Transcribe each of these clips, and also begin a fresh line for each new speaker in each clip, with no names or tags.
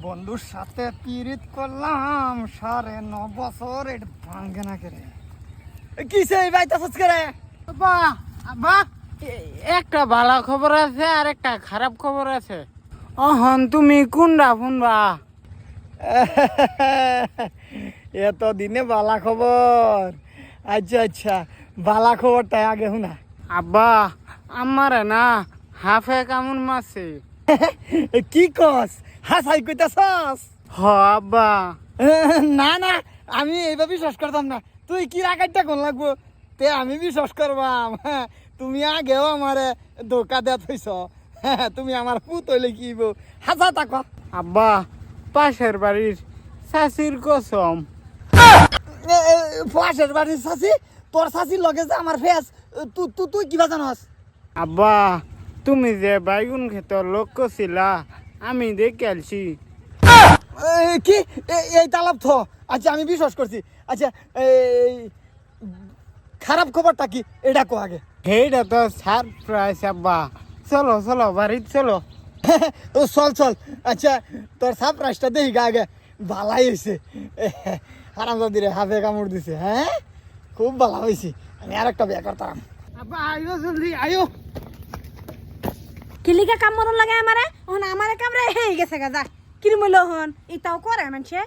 বন্ধুর সাথে পিরিত করলাম 9.5 বছর, এটা ভাঙ্গে না করে কিসে বাইতে ফস করে।
বাহ বাহ, একটা ভালো খবর আছে আর একটা খারাপ খবর আছে। অহন তুমি কোনটা শুনবা?
এত দিনে বালা খবর। আচ্ছা আচ্ছা, বালা খবরটাই আগে শুনা।
আব্বা, আমারে না হাফে কামড় মারছে।
কি কস? হাসাই কইতাছস?
হ আব্বা।
না না, আমি এইভাবে বিশ্বাস করতাম না। তুই কি রাখাইটা কোন লাগবো তে আমি বিশ্বাস করবাম। তুমি আগেও আমারে ধোকা দেয়া থইছ। তুমি আমার পুত হইলে কি হাসা তাক।
আব্বা, পাশের বাড়ির শাশির কসম।
পাশের বাড়ির শাশি? তোর শাশির লগে যে আমার ফেস, তুই কিবা জানস?
আব্বা, তুমি যে বাইগুন ক্ষেতর লোক করছিলা, আমি দেখে আলছি।
কি এই তালাব থ? আচ্ছা আমি বিশ্বাস করছি। আচ্ছা এই খারাপ খবরটা কি এটা কো আগে।
সেইটা তো সারপ্রাইজ আব্বা। চলো চলো বাড়িতে চলো।
ও চল চল। আচ্ছা তোর সারপ্রাইজটা দেখি গা আগে। ভালাই হয়েছে, হারামজাদিরে হাফে কামড় দিছে। হ্যাঁ খুব ভালো হয়েছে। আমি আর একটা বিয়ে করতাম।
আব্বা আইও জলদি আইও।
কিলিকা কামড়ন লাগে আমারে, ওহন আমারে কামড়ে হেই গেছে গা। যা কির মইল হন ইতাও করে মানছে।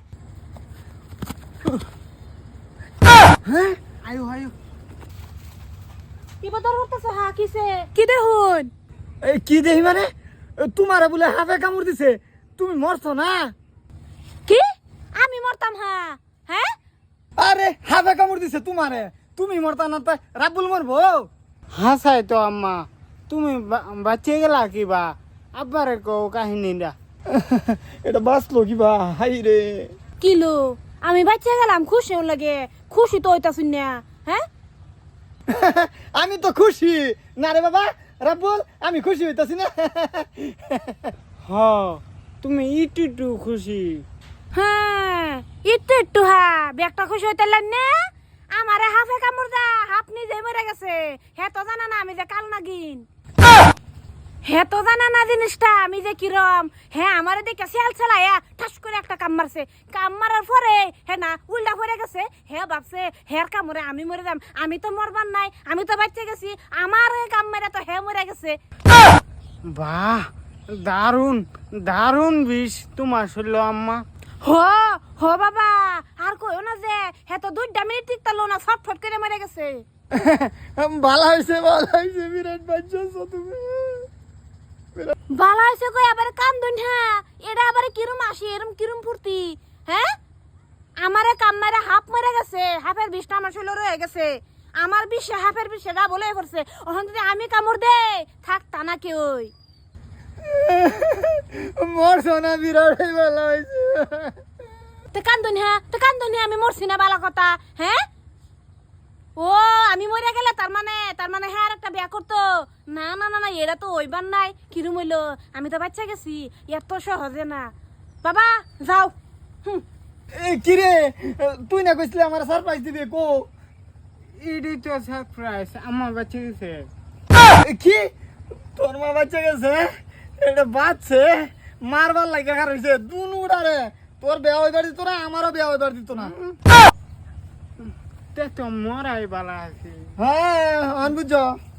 হ্যাঁ আইও আইও।
কি বদর হতেছে? হা কিসে কি দেখুন?
এই কি দেখি মানে? তোমারে বলে হাফে কামড় দিছে, তুমি মরছো না?
কি আমি মরতাম? হা হ্যাঁ,
আরে হাফে কামড় দিছে তোমারে, তুমি মরতা না তো রাব্বুল মরবো?
হাসাই তো আম্মা, তুমি বাঁচিয়ে গেলা কিবা? আব্বারে কও কাহিনীটা।
এটা বাঁচলো কিবা? হাই রে।
কিলো আমি বাচ্চা গেলাম, খুশি লাগে। খুশি তো হইতাছুন না? হ্যাঁ
আমি তো খুশি না রে বাবা রাব্বুল, আমি খুশি হইতাছি না।
হ, তুমি ইটু খুশি।
হ্যাঁ একটু একটু। হা ব্যাগটা খুশি হইতালেন না? আমারে হাফে কামড় দা হাফ নিজে মরে গেছে। হে তো জানা না আমি যে কাল নাগিন। হে তো জানা না জিনিসটা আমি যে কিরম। হ্যাঁ আমারে দেখে সেল ছেলাইয়া ঠাস করে একটা কাম মারছে। কাম মারার পরে হে না উল্টা পড়ে গেছে। হে ভাবছে হের কামড়ে আমি মরে যাম। আমি তো মরবার নাই, আমি তো বাচ্চা গেছি। আমার কাম মেরে তো হে মরে গেছে।
বাহ, দারুণ দারুণ বিষ তোমার শুনলো আম্মা।
হো হো বাবা, আর কইও না যে হে তো 2 মিনিট টিকতালো না, ফটফট করে মরে গেছে।
ভালো হয়েছে বিরাট বাঁচছো তুমি।
বালা হইছে কই আবার কান্দুন? হ্যাঁ এটা আবার কিরম আসি এরম কিরম ফুর্তি? হ্যাঁ আমারে কাম মারে হাফ মরে গেছে। হাফের বিষটা আমার শরীরে রয়ে গেছে। আমার বিষে হাফের বিষটা বলে পড়ছে। ওখান যদি আমি কামড় দে থাক তা না কেউই।
মরছো না? বিরাট ভালো হয়েছে।
তো কান্দুন? হ্যাঁ তো কান্দুন? আমি মরছি না বালা কথা? হ্যাঁ ও আমি মরে গেলে তার মানে হ্যাঁ আর একটা বিয়া করতো? না না না না, এটা তো ওইবার নাই। কিরম হইলো? আমি তো বাচ্চা গেছি, এত সহজে না। বাবা যাও।
কি রে, তুই না কইছিলি আমার সারপ্রাইজ দিবে? কো
এটাই তো সারপ্রাইজ, আমার বাচ্চা গেছে।
কি তোর মা বাচ্চা গেছে? এটা বাচ্চে মারবার লাগে কার হইছে দুনুডারে। তোর বিয়া হইবার দিত না, আমারও বিয়া হইবার দিত না।
তে তো মরাই বালা আছে।
হ্যাঁ বুঝছো।